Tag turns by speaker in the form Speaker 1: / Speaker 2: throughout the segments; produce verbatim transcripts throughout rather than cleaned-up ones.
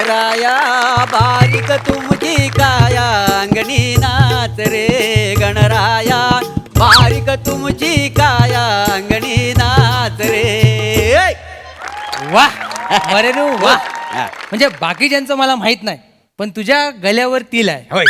Speaker 1: गणराया बारीक तुमची काया अंगणी नाच रे गणराया बारीक तुमची काया अंगणी नाच रे.
Speaker 2: वा मरेनू वा. म्हणजे बाकीच्यांचं मला माहित नाही पण तुझ्या गल्यावर तिल आहे.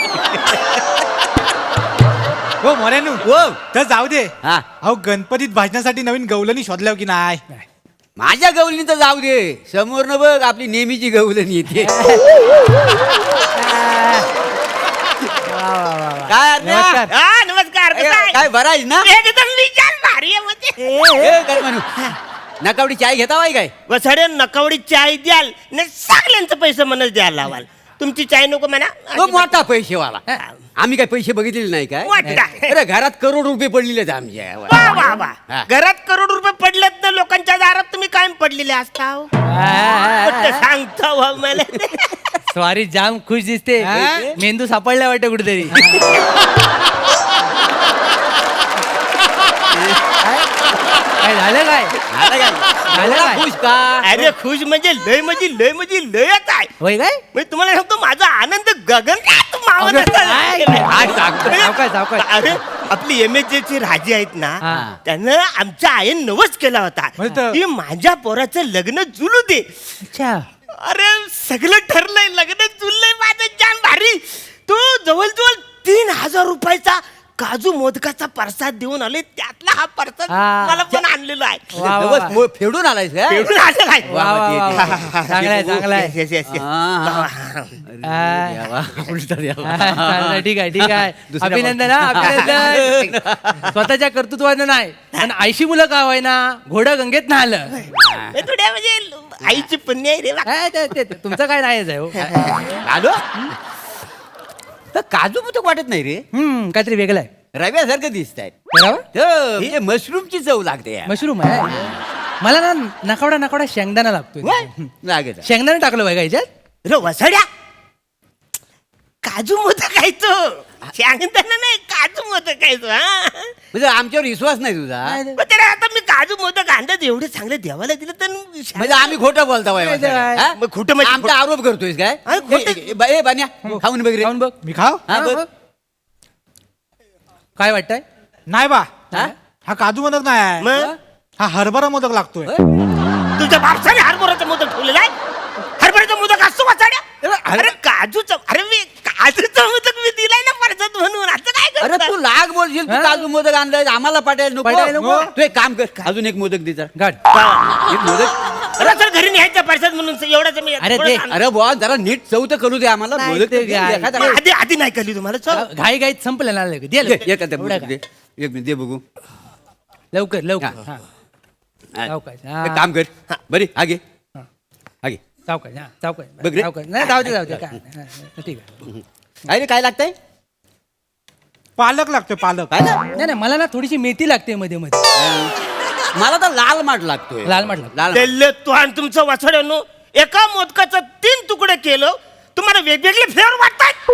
Speaker 3: हो मरेनू
Speaker 1: हो
Speaker 3: तर जाऊ दे.
Speaker 1: हा.
Speaker 3: अहो गणपतीत भाजण्यासाठी नवीन गवलनी शोधल्या की नाही?
Speaker 1: माझ्या गवलीन तर जाऊ दे समोरनं बघ आपली नेहमीची गवलनी येते. काय अर्ध्या?
Speaker 2: नमस्कार.
Speaker 4: हा नमस्कार
Speaker 1: काय
Speaker 4: कसं आहे?
Speaker 1: काय बरं आहेस ना?
Speaker 4: एकदम निजान भारी आहे म्हणजे.
Speaker 1: ए, काय म्हणू नकावडी चाय घेता बाई काय?
Speaker 4: वसाडे नकावडी चाय द्याल नाही सगळ्यांचं पैसे म्हणच द्यायला लावाल. तुमची चाय नको म्हणा.
Speaker 1: तो मोठा पैसेवाला आम्ही काय पैसे बघितलेले नाही काय?
Speaker 4: मोठा.
Speaker 1: अरे घरात करोड रुपये पडलेले आहेत आमच्या.
Speaker 4: वा वा वा
Speaker 1: हा.
Speaker 4: घरात करोड रुपये पडलेत ना लोकांच्या दारात तुम्ही कायम पडलेले असता हो. कुठं सांगता हो मला.
Speaker 2: स्वारी जाम खुश दिसते. मेंदू सापडला वाटतं कुठेतरी. काय झालं काय
Speaker 1: आता काय?
Speaker 2: झालं
Speaker 1: एवढा
Speaker 2: काय?
Speaker 1: खुश का?
Speaker 4: अरे खुश म्हणजे लय म्हणजे लय म्हणजे लयच आहे.
Speaker 2: होय काय
Speaker 4: म्हणजे तुम्हाला सांगतो माझा आनंद गगन मावत
Speaker 2: अगं,
Speaker 4: असेल.
Speaker 2: काय?
Speaker 1: आज सांगतो.
Speaker 2: सावकाश, सावकाश.
Speaker 4: अरे आपली एम एच चे राजे आहेत ना
Speaker 2: हा.
Speaker 4: त्यानं आमच्या आईन नवस केला होता
Speaker 3: म्हणजे?
Speaker 4: की माझ्या पोराचं लग्न जुलू दे.
Speaker 2: अच्छा
Speaker 4: अरे सगळं ठरलंय लग्न जुललंय माझं जान भारी. तू जवळजवळ तीन हजार रुपयाचा काजू मोदकाचा प्रसाद देऊन आले त्यातला हा प्रसाद
Speaker 2: हा.
Speaker 4: मला पण आणलेला आहे.
Speaker 2: वा, वा,
Speaker 1: नवस
Speaker 2: वा.
Speaker 1: मो- फेडून आलायस का?
Speaker 4: फेडून आणलेला आहे.
Speaker 2: वा, वा, वा, वा. चांगला आहे चांगला आहे.
Speaker 4: Yes, yes, yes.
Speaker 1: हा, हा.
Speaker 2: हा.
Speaker 1: अरे देवा, उलटा देवा.
Speaker 2: हा, चांगलं, ठीक आहे ठीक आहे
Speaker 1: दुसऱ्या
Speaker 2: अभिनंदन हा, अभिनंदन. स्वतःच्या कर्तृत्वानं नाही पण आयशी मुलं का होय ना घोडं गंगेत नाहलं.
Speaker 4: हे थोड्या म्हणजे आईची पुण्य आहे रे बा.
Speaker 2: हा, ते- ते- ते- तुमचं काय नाही आहे हो.
Speaker 1: आलो तर काजू मोदक वाटत नाही रे
Speaker 2: हम्म काहीतरी वेगळं आहे
Speaker 1: रव्यासारखं दिसत आहेत.
Speaker 2: बरोबर
Speaker 1: मशरूमची चव लागते यार.
Speaker 2: मशरूम आहे मला ना नकावडा नकावडा शेंगदाणा लागतोय.
Speaker 1: होय? लागत आहे.
Speaker 2: शेंगदाणा टाकलं बाय का याच्यात.
Speaker 4: रे वसाड्या काजू मोदक खायचो शेंगदाणा नाही काजू मोदक खायचो. हा
Speaker 1: म्हणजे आमच्यावर विश्वास नाही तुझा
Speaker 4: मग त्याला आता मी काजू मोदक अंदाज एवढे चांगले देवाला दिलं तर
Speaker 1: म्हणजे आम्ही खोटं बोलता बाई.
Speaker 2: नाही तर काय?
Speaker 1: हा?
Speaker 4: मग खोटं म्हणजे
Speaker 1: आमचा आरोप करतोय काय?
Speaker 4: हा, खोटं.
Speaker 1: ए, ए, ए, बान्या खाऊन बघ रे.
Speaker 2: खाऊन बघ
Speaker 3: मी खाव
Speaker 1: हा,
Speaker 2: हा,
Speaker 1: बघ.
Speaker 2: बघ. काय वाटतंय
Speaker 3: नाही बा.
Speaker 1: हा?
Speaker 3: हा काजू मोदक नाही आहे.
Speaker 4: मग
Speaker 3: हा हरभरा मोदक लागतोय.
Speaker 4: तुझ्या बापसाने हरभऱ्याचा मोदक ठेवलेला आहे. हरभऱ्याचा मोदक असतो वसाड्या. अरे काजूचा अरे मी काजूचा मोदक मी दिलाय ना परसाद म्हणून असं काय
Speaker 1: अरे
Speaker 4: करता?
Speaker 1: तू लाग बोलशील तू
Speaker 2: हा?
Speaker 1: काजू मोदक आणलाय आम्हाला पाठायला
Speaker 2: पाठवायला
Speaker 1: नको.
Speaker 2: नको?
Speaker 1: तू एक काम कर अजून एक मोदक दे जरा.
Speaker 2: गाड
Speaker 1: एक मोदक.
Speaker 4: अरे सर घरी न्यायचा परसाद म्हणून एवढाच मी
Speaker 2: अरे
Speaker 4: थोडं
Speaker 2: दे.
Speaker 4: सांग-
Speaker 1: अरे बुवा जरा नीट चव तर करू दे आम्हाला.
Speaker 2: नाही
Speaker 1: मोदक
Speaker 2: ते
Speaker 1: तर दे,
Speaker 2: काय.
Speaker 1: एखादा.
Speaker 4: मग आधी आधी नाही कळली तुम्हाला चल
Speaker 2: घाई घाईत संपलं ना लगेच. दे
Speaker 1: दे,
Speaker 2: लवकर.
Speaker 1: एखादा
Speaker 2: एवढं
Speaker 1: मोदक
Speaker 2: काय?
Speaker 1: दे. एक मिनिट दे बघू.
Speaker 2: लवकर लवकर
Speaker 1: हा.
Speaker 2: हा.
Speaker 1: हा.
Speaker 2: सावकाश, हा.
Speaker 1: एक काम कर बरी हा घे
Speaker 2: हा.
Speaker 1: हा घे.
Speaker 2: सावकाश हा सावकाश
Speaker 1: बघ रे.
Speaker 2: सावकाश नाही जाऊ दे जाऊ दे काय नाही, हा, ठीक आहे
Speaker 1: काय रे काय लागतंय
Speaker 3: पालक लागतोय पालक.
Speaker 1: काय ना
Speaker 2: नाही नाही मला ना थोडीशी मेथी लागते मध्ये मध्ये
Speaker 1: मला तर लाल माठ लागतोय.
Speaker 2: लाल माठ लागतो.
Speaker 1: लाल
Speaker 4: दिल्ले तू आणि तुमचं वाचड्यानो एका मोदकाचं तीन तुकडे केलं तुम्हाला वेगवेगळे फ्लेवर वाटतात.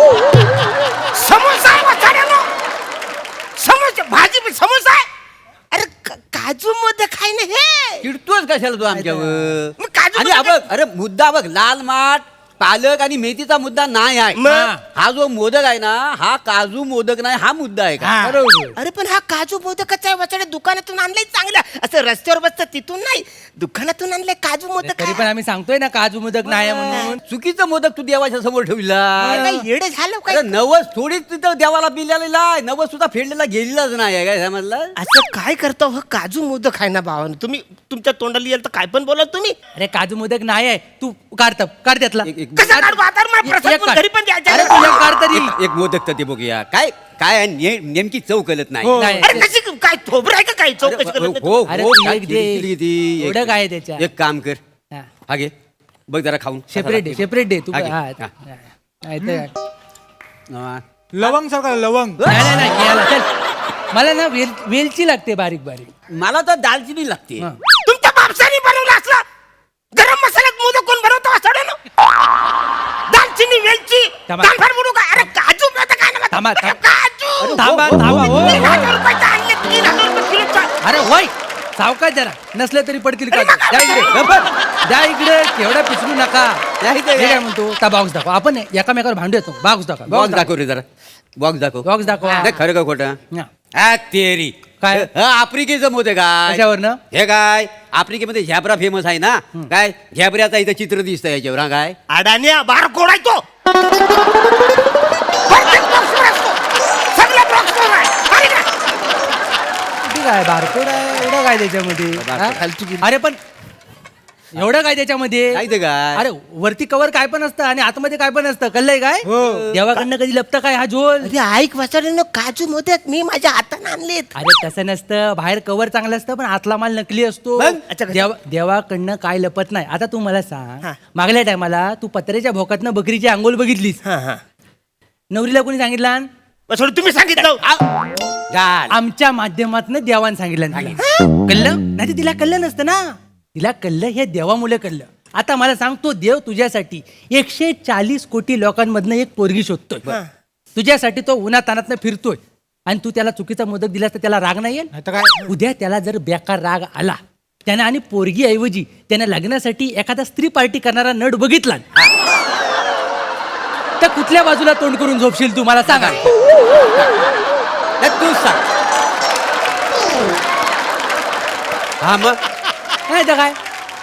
Speaker 4: समोसा आहे वाचड्यानो समोसा भाजी समोसा आहे. अरे का- काजू मोदक आहे ना हे.
Speaker 1: चिडतोस कशाला तू आमच्यावर
Speaker 4: मग काजू
Speaker 1: आणि
Speaker 4: मोदक-
Speaker 1: हा बघ अरे मुद्दा बघ लाल माठ पालक आणि मेथीचा मुद्दा नाही आहे.
Speaker 4: मग?
Speaker 1: हा जो मोदक आहे ना हा काजू मोदक नाही हा मुद्दा आहे का?
Speaker 3: हा.
Speaker 2: बरोबर.
Speaker 4: अरे पण हा काजू मोदकच आहे वाचड्या दुकानातून आणलंय चांगलं असं रस्त्यावर बसतं तिथून नाही दुकानातून आणलंय काजू मोदक
Speaker 2: तरी पण आम्ही सांगतोय ना काजू मोदक नाही आहे म्हणून.
Speaker 1: चुकीचं मोदक तू देवाच्या समोर ठेवला.
Speaker 4: काय येडे झालं काय
Speaker 1: अरे नवस थोडीच तिथं देवाला पिलेला आहे नवस सुद्धा फेडलेला गेलेलाच नाही आहे काय समजलं.
Speaker 4: असं काय करता हो काजू मोदक आहे ना भावानं तुम्ही तुमच्या तोंडाला येईल तर काय पण बोला तुम्ही
Speaker 2: अरे काजू मोदक नाही आहे तू काढत काढ त्यातला
Speaker 1: एक- एक-
Speaker 4: कसं काढू आता मला
Speaker 2: एक-
Speaker 4: प्रसाद
Speaker 2: एक
Speaker 4: पण
Speaker 2: काढ.
Speaker 4: घरी पण द्यायचा
Speaker 2: अरे
Speaker 4: आहे.
Speaker 2: तू एक काढ तरी.
Speaker 1: एक- एक मोदक तर ते बघूया काय काय आहे, ने- नेमकी चव कळत नाही.
Speaker 3: हो.
Speaker 2: नाही.
Speaker 4: अरे कशी काय थोबरं आहे का काय चौकशी
Speaker 1: अरे,
Speaker 4: करत नाही?
Speaker 1: हो,
Speaker 2: अरे
Speaker 1: हो,
Speaker 2: तू
Speaker 1: काय
Speaker 2: एक दे.
Speaker 1: किरकिरी किती. एक-
Speaker 2: एवढं काय आहे त्याच्यात?
Speaker 1: एक काम कर
Speaker 2: हा.
Speaker 1: हा घे बघ जरा खाऊन
Speaker 2: सेपरेट डे सेपरेट डे तू
Speaker 1: हा घे.
Speaker 2: हा,
Speaker 1: हा.
Speaker 2: नाही तर-
Speaker 1: हा.
Speaker 3: लवंग सारखा लवंग.
Speaker 2: नाही नाही, नाही घ्यायला, चल. मला ना वेल वेलची लागते बारीक बारीक
Speaker 1: मला तर दालचिनी लागते.
Speaker 2: हा.
Speaker 4: तुमच्या बापसाने बनवलं असलं गरम मसाल्यात मोदक कोण बनवतो असं ना दालचिनी वेलची
Speaker 2: थांबा.
Speaker 4: दालफार बनवू का अरे काजू मोदक आहे ना
Speaker 2: थांबा, थांबा.
Speaker 4: काजू
Speaker 2: थांबा थांबा हो
Speaker 4: तीन
Speaker 2: हो.
Speaker 4: हजार रुपयाचं आणले तीन हजार रुपये किलोचं.
Speaker 2: अरे होय सावकाश जरा नसलं तरी पडतील का
Speaker 4: अरे मग
Speaker 2: द्या इकडे द्या इकडे एवढं पिसवू नका
Speaker 1: नाही तर
Speaker 2: मी
Speaker 1: काय?
Speaker 2: काय म्हणतो त्या बॉक्स दाखव आपण एकामेकावर भांडू येतो बॉक्स दाखव
Speaker 1: बॉक्स दाखव रे जरा बॉक्स दाखव
Speaker 2: बॉक्स दाखव
Speaker 1: नाही, खरं का खोटं
Speaker 2: हा.
Speaker 1: हा तेरी
Speaker 2: काय?
Speaker 1: ह, आफ्रिकेचं मोठे काय
Speaker 2: कशावरनं?
Speaker 1: हे काय आफ्रिकेमध्ये झॅब्रा फेमस आहे ना काय झॅब्राचा इथं चित्र दिसतं याच्यावर हा काय
Speaker 4: अडाण्या बार कोडायचो प्रत्येक box वर असतो. सगळ्या box वर आहे. अरे का?
Speaker 2: ठीक आहे बारकोड आहे एवढं काय त्याच्यामध्ये हा? अरे पण एवढं काय त्याच्यामध्ये
Speaker 1: काय ते काय?
Speaker 2: अरे वरती कवर काय पण असतं आणि आतमध्ये काय पण असतं कळलंय काय देवाकडनं कधी लपतं काय हा झोल
Speaker 4: अरे ऐक वाचाड्यानं काजू मोदक मी माझ्या हाताने आणलेत
Speaker 2: अरे तसं नसतं बाहेर कवर चांगलं असतं पण आतला माल नकली असतो
Speaker 4: मग? अच्छा, कसं?
Speaker 2: देवा देवाकडनं काय लपत नाही आता तू मला सांग
Speaker 4: हा.
Speaker 2: मागल्या टायमाला तू पत्र्याच्या भोकातनं बकरीची आंघोळ बघितलीस
Speaker 4: हा हा
Speaker 2: नवरीला कोणी सांगितलं
Speaker 4: वाचाडू तुम्ही सांगितलं
Speaker 1: झाड.
Speaker 2: आमच्या माध्यमातून देवान सांगितलं कळलं नाही तर तिला कळलं नसतं ना तिला कळलं हे देवामुळे कळलं आता मला सांग तो देव तुझ्यासाठी एकशे चाळीस कोटी लोकांमधनं एक पोरगी शोधतोय तुझ्यासाठी तो उन्हातानातनं फिरतोय आणि तू त्याला चुकीचा मोदक दिलास तर त्याला राग नाही येईल
Speaker 3: नाही तर काय
Speaker 2: उद्या त्याला जर बेकार राग आला त्याने आणि पोरगी ऐवजी त्याने लग्नासाठी एखादा स्त्री पार्टी करणारा नट बघितला तर कुठल्या बाजूला तोंड करून झोपशील तू मला सांगा
Speaker 1: नाही, तूच सांग हा मग
Speaker 2: नाही तर काय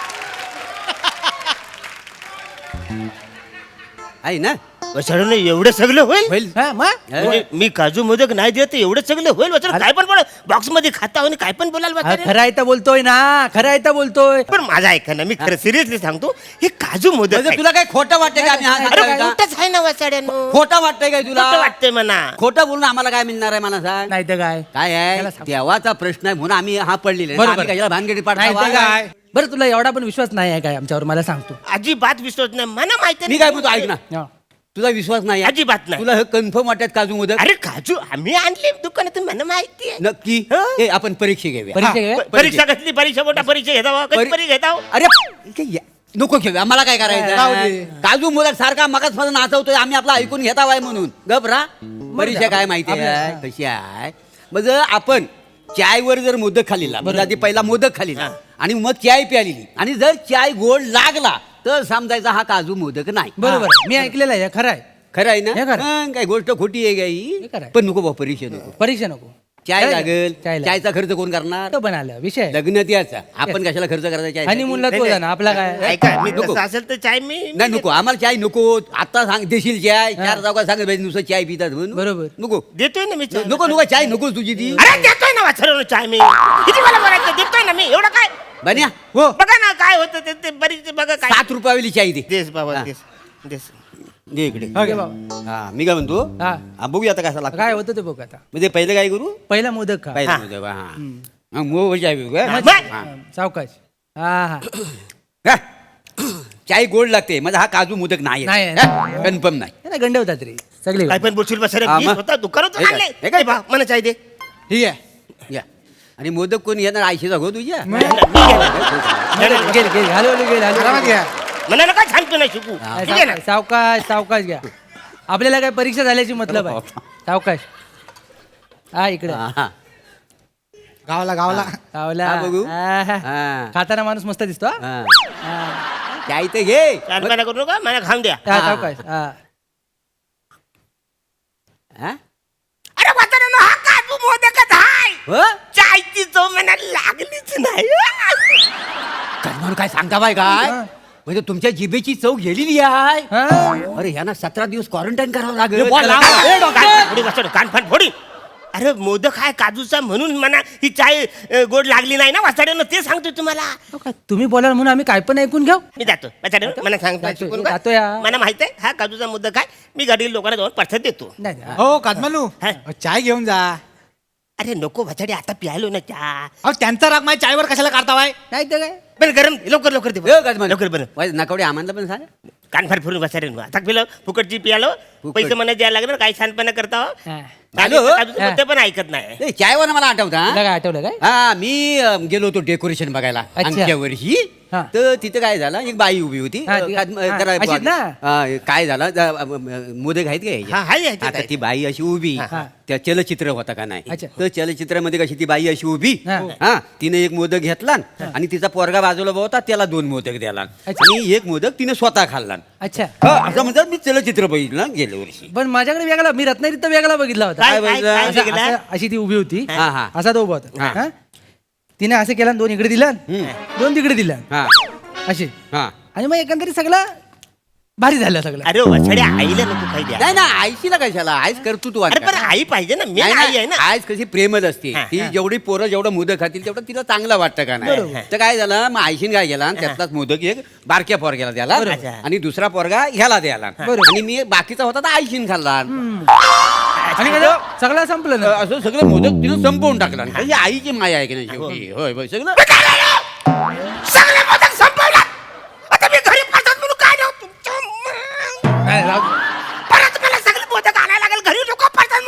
Speaker 1: आहे ना
Speaker 4: वाचाड्यानं एवढं सगळं होईल
Speaker 1: होईल
Speaker 2: हा, मग?
Speaker 4: म्हणजे मी काजू मोदक नाही देत एवढं सगळं होईल वाचाड काय पण बोल बॉक्स मध्ये खाता आणि काय पण बोलाल
Speaker 2: हा,
Speaker 4: वाचाड्या.
Speaker 2: खरं आहे तर बोलतोय ना खरं आहे तर बोलतोय
Speaker 4: पण माझा ऐका ना मी खरं सिरियसली सांगतो हे काजू मोदक
Speaker 1: म्हणजे
Speaker 4: आहे.
Speaker 1: तुला काय खोटं वाटतंय का आम्ही हा
Speaker 4: अरे
Speaker 1: सांगतोय का?
Speaker 4: खोटंच आहे ना वाचाड्यानं
Speaker 1: खोटं वाटतंय काय
Speaker 4: खोटं
Speaker 1: तुला
Speaker 4: वाटतंय म्हणा
Speaker 1: खोटं बोलून आम्हाला काय मिळणार आहे मला सांग
Speaker 2: नाही तर काय
Speaker 1: काय आहे
Speaker 2: त्याला सांग.
Speaker 1: देवाचा प्रश्न आहे म्हणून आम्ही हा पडलेला आहे.
Speaker 2: बरोबर.
Speaker 1: आम्ही कशाला भानगडी
Speaker 2: नाही तर
Speaker 1: पाडता
Speaker 2: काय बरं तुला एवढा पण विश्वास नाही आहे काय आमच्यावर मला सांगतो
Speaker 4: अजिबात विश्वास नाही मला माहिती
Speaker 1: मी काय म्हणतो ऐक ना
Speaker 2: हा.
Speaker 1: तुझा विश्वास नाही आहे?
Speaker 4: अजिबात नाही.
Speaker 1: तुला हे कन्फर्म वाटत काजू मोदक
Speaker 4: अरे काजू आम्ही आणले दुकानातून मला माहिती आहे
Speaker 1: नक्की
Speaker 4: हं?
Speaker 1: ए, आपण परीक्षा घेऊया
Speaker 2: परीक्षा
Speaker 1: हा,
Speaker 2: घेऊया?
Speaker 1: प-
Speaker 4: परीक्षा घेतली परीक्षा मोठा परीक्षा घेता कधी
Speaker 1: परी-
Speaker 4: परीक्षा घेता
Speaker 1: अरे इथे या. नको घेऊया आम्हाला काय
Speaker 3: राहू
Speaker 1: करायचं
Speaker 3: दे.
Speaker 1: काजू मोदक सारखा मगाच मध्ये नाचवतोय आम्ही आपला ऐकून घेता वाय म्हणून गबरा परीक्षा काय माहिती आहे कशी आहे मग जर आपण चायवर जर मोदक खाल्लेला म्हणजे आधी पहिला मोदक खाल्लेला आणि मग चाय प्यालेली आणि जर चाय गोड लागला तर समजायचा हा काजू मोदक नाही
Speaker 2: बरोबर आहे. मी ऐकलेलं आहे खरं आहे
Speaker 1: खरं आहे ना
Speaker 2: हे खरं.
Speaker 1: मग काय गोष्ट खोटी आहे
Speaker 2: हे
Speaker 1: काही
Speaker 2: खरं आहे.
Speaker 1: पण नको बा परीक्षा नको
Speaker 2: परीक्षा नको
Speaker 1: चाय
Speaker 2: चाय
Speaker 1: लागेल
Speaker 2: चाय लागेल.
Speaker 1: चायचा खर्च कोण करणार
Speaker 2: तो पण आला विषय
Speaker 1: लग्न त्याचा आपण कशाला खर्च करायचा चाय
Speaker 2: हनीमूनला तो जा ना आपला काय
Speaker 4: ऐका मी
Speaker 1: नको.
Speaker 4: तसं असेल तर चाय मी
Speaker 1: नाही नको आम्हाला चाय नको आता सांग देशील चाय चार चौका सांगत पाहिजे नुसतं चाय पितात म्हणून
Speaker 2: बरोबर.
Speaker 1: नको
Speaker 4: देतोय ना मी चाय.
Speaker 1: नको नको चाय नकोच तुझी ती
Speaker 4: अरे देतोय ना वाचर चाय मी किती मला बोलायचं देतोय ना मी एवढं काय
Speaker 1: बन्या
Speaker 3: हो
Speaker 4: बघा ना काय होतं ते- ते बरीच बघा काय
Speaker 1: सात रुपयावाली चाय दे
Speaker 4: देस बाबा
Speaker 1: हा.
Speaker 4: देस देस
Speaker 1: दे इकडे
Speaker 3: हा, घे.
Speaker 1: हा मी काय म्हणतो
Speaker 2: हा.
Speaker 1: हा, बघूया आता कसा लागतो
Speaker 2: काय होतं ते बघ आता
Speaker 1: म्हणजे पहिले काय करू
Speaker 2: पहिला मोदक खा
Speaker 1: पहिला
Speaker 4: हा.
Speaker 1: मोदक, हा हा, मोह चाय पिऊ का?
Speaker 4: मग?
Speaker 1: हा.
Speaker 2: सावकाश हा हा
Speaker 1: का? चाय गोड लागते माझा हा काजू मोदक नाही
Speaker 2: नाही आहे.
Speaker 1: कन्फर्म नाही
Speaker 2: त्याला गंडवतात रे सगळे
Speaker 4: काय पण बोलशील बसरे
Speaker 1: हा,
Speaker 4: मी
Speaker 1: मग?
Speaker 4: स्वतः दुकानात
Speaker 1: हे काय?
Speaker 4: आणले
Speaker 1: हे काय?
Speaker 4: ए बा, मला चाय दे
Speaker 3: ठीक आहे
Speaker 1: या आणि मोदक कोण येणार आयशीचा गो तुझ्या
Speaker 4: मी घेणार.
Speaker 2: गेल गेल घालवले गेल
Speaker 3: आरामात
Speaker 2: घालवले
Speaker 3: घ्या
Speaker 4: मला नका सांगतो ना शिकू ठीक आहे ना
Speaker 2: सावकाश सावकाश घ्या आपल्याला काय परीक्षा झाल्याची मतलब आहे सावकाश हा इकडे
Speaker 1: हा, हा.
Speaker 3: गावाला गावाला
Speaker 2: सावला
Speaker 1: हा, बघू.
Speaker 2: आहा.
Speaker 1: हा.
Speaker 2: खाताना माणूस मस्त दिसतो हा?
Speaker 1: हा.
Speaker 2: हा.
Speaker 1: चाय तर घे
Speaker 4: चालपणा करू नका मला खाऊन द्या
Speaker 2: हा, सावकाश हा
Speaker 1: हा?
Speaker 4: अरे वाचाऱ्यानं हा काजू मोदकच हाय
Speaker 1: हो?
Speaker 4: चायची चव मला लागलीच नाही
Speaker 1: काय म्हणून काय सांगता बाय काय
Speaker 2: हा.
Speaker 1: म्हणजे तुमच्या जिभेची चव गेलेली आहे
Speaker 2: हा.
Speaker 1: अरे यांना सतरा दिवस क्वारंटाईन करावं लागेल
Speaker 2: बोल, लाव. ए, डॉक्टर.
Speaker 4: कानफाट फोडी वाचाड, कानफाट फोडी अरे मोदक हाय काजूचा म्हणून म्हणा ही चाय अ, गोड लागली नाही ना वाचाड्यानं ते सांगतोय तुम्हाला
Speaker 2: हो का? तुम्ही बोलाल म्हणून आम्ही काय पण ऐकून घेऊ
Speaker 4: मी जातो वाचाड्यानं मला सांगतो
Speaker 2: जातो,
Speaker 4: शिकून का?
Speaker 2: जातो या.
Speaker 4: मला माहित आहे हा काजूचा मोदक आहे मी गाडी लोकांना जाऊन पडसाद देतो
Speaker 2: नाही नाही.
Speaker 3: हो कादमालू
Speaker 4: हा.
Speaker 3: चाय घेऊन जा
Speaker 4: अरे नको वाचाडी आता प्यायलो ना चहा
Speaker 3: अहो त्यांचा राग माझ्या चायवर कशाला काढतावाय
Speaker 2: नाही तर काय
Speaker 4: बरं गरम लवकर लवकर दे
Speaker 1: ए,
Speaker 4: बरं.
Speaker 1: गजमान.
Speaker 4: लवकर बरं
Speaker 1: वाय, नकवडे आम्हाला पण सांग
Speaker 4: कानफाट फिरून बसायला आता पिलं फुकटची पियालो
Speaker 1: फुकट.
Speaker 4: पैसे मला द्यायला लागणार काही छानपणा करता हो.
Speaker 2: हा.
Speaker 4: आणि
Speaker 1: हॅलो?
Speaker 4: काजूचं मोदक पण ऐकत नाही
Speaker 1: ए, चायवर मला आठवतं
Speaker 2: तुला
Speaker 1: हा?
Speaker 2: काय आठवलं काय
Speaker 1: हा मी अं, गेलो होतो डेकोरेशन बघायला
Speaker 2: अच्छा.
Speaker 1: आमच्या वर्षी
Speaker 2: हा.
Speaker 1: तर तिथे काय झालं एक बाई उभी होती
Speaker 2: हा, ती-
Speaker 1: अ,
Speaker 2: हा,
Speaker 1: जरा
Speaker 2: अशीच ना?
Speaker 1: अ, काय झालं ज- अ, अ, मोदक आहेत का
Speaker 4: हा, हाय, ह्याच्यात
Speaker 1: आता
Speaker 4: आहे.
Speaker 1: ती बाई अशी उभी
Speaker 2: हा.
Speaker 1: त्या चलचित्र होता का नाही
Speaker 2: अच्छा.
Speaker 1: तर चलचित्रामध्ये कशी ती बाई अशी उभी
Speaker 2: हा.
Speaker 1: हा तिने एक मोदक घेतला आणि तिचा पोरगा बाजूला होता त्याला दोन मोदक द्याला
Speaker 2: अच्छा.
Speaker 1: आणि एक मोदक तिने स्वतः खाल्ला
Speaker 2: अच्छा
Speaker 1: हा, असं म्हणतात मी चलचित्र बघितलं गेल्या वर्षी
Speaker 2: पण माझ्याकडे वेगळा मी रत्नागिरीत तर वेगळा बघितला होता
Speaker 4: काय-
Speaker 1: काय
Speaker 4: काय-
Speaker 1: बघितलं?
Speaker 4: काय
Speaker 2: असं-
Speaker 4: बघितलं?
Speaker 2: असं- अशी ती उभी होती
Speaker 1: हा, हा.
Speaker 2: असा तो उभा होता
Speaker 1: हा.
Speaker 2: हा? तिने असं केलं आणि दोन इकडे दिलं दोन तिकडे दिलं
Speaker 1: हा
Speaker 2: असे
Speaker 1: हा
Speaker 2: आणि मग एकंदरीत सगळं भारी झालं सगळं
Speaker 4: अरे वछड्या आईला नको काही द्या
Speaker 1: नाही ना आईशीला कशाला आईच करतो तू
Speaker 4: अरे पण आई पाहिजे ना मी आई आहे ना
Speaker 1: आईच कशी प्रेमच असते
Speaker 4: हा,
Speaker 1: ती जेवढी पोरं जेवढं मोदक खातील तेवढं तिला चांगलं वाटतं का नाही तर काय झालं मग आईशीन काय केला त्यातलाच मोदक एक बारक्या पोरग्याला द्याला
Speaker 4: बरोबर.
Speaker 1: आणि दुसरा पोरगा ह्याला द्याला आणि मी बाकीचा होता तर आईशीन खाल्ला
Speaker 2: आणि काय झालं? सगळं संपलं ना
Speaker 1: असं सगळं मोदक तिनं संपवून टाकला ही आईची माया आहे की नाही शेवटी होय होय सगळं
Speaker 4: सगळे मोदक संपवला आता मी घरी परत म्हणून काय देऊ तुमच्या
Speaker 2: नाही, राहू दे.
Speaker 4: परत मला सगळे मोदक आणायला लागेल घरी लोक परत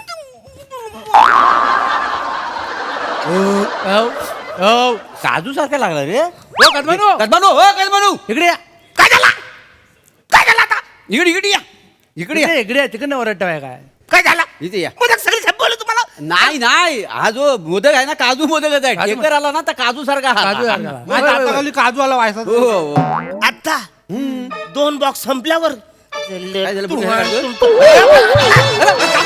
Speaker 2: हो, हो.
Speaker 1: काजू सारखा लागला रे
Speaker 2: हो, कदमानो.
Speaker 1: कदमानो हो कदमानो
Speaker 2: इकडे या
Speaker 4: काय झाला काय झालं आता
Speaker 1: इकडे इकडे या इकडे या
Speaker 2: इकडे इकडे या. तिकडनं ओरडताय काय
Speaker 4: काय झालं
Speaker 1: इथे या
Speaker 4: मोदक सगळे संपवलं तुम्हाला
Speaker 1: नाही नाही हा जो मोदक आहे ना काजू मोदकच आहे
Speaker 2: काजू
Speaker 1: ढेकर आला ना तर काजू सारखा
Speaker 2: काजू
Speaker 1: हा
Speaker 2: सारखा.
Speaker 3: माझ्या हाताखाली काजू आला व्हायचा
Speaker 1: हो हो, हो.
Speaker 4: आता दोन बॉक्स संपल्यावर
Speaker 1: काय झालं,
Speaker 4: तू-
Speaker 1: पुढे काय
Speaker 4: तू-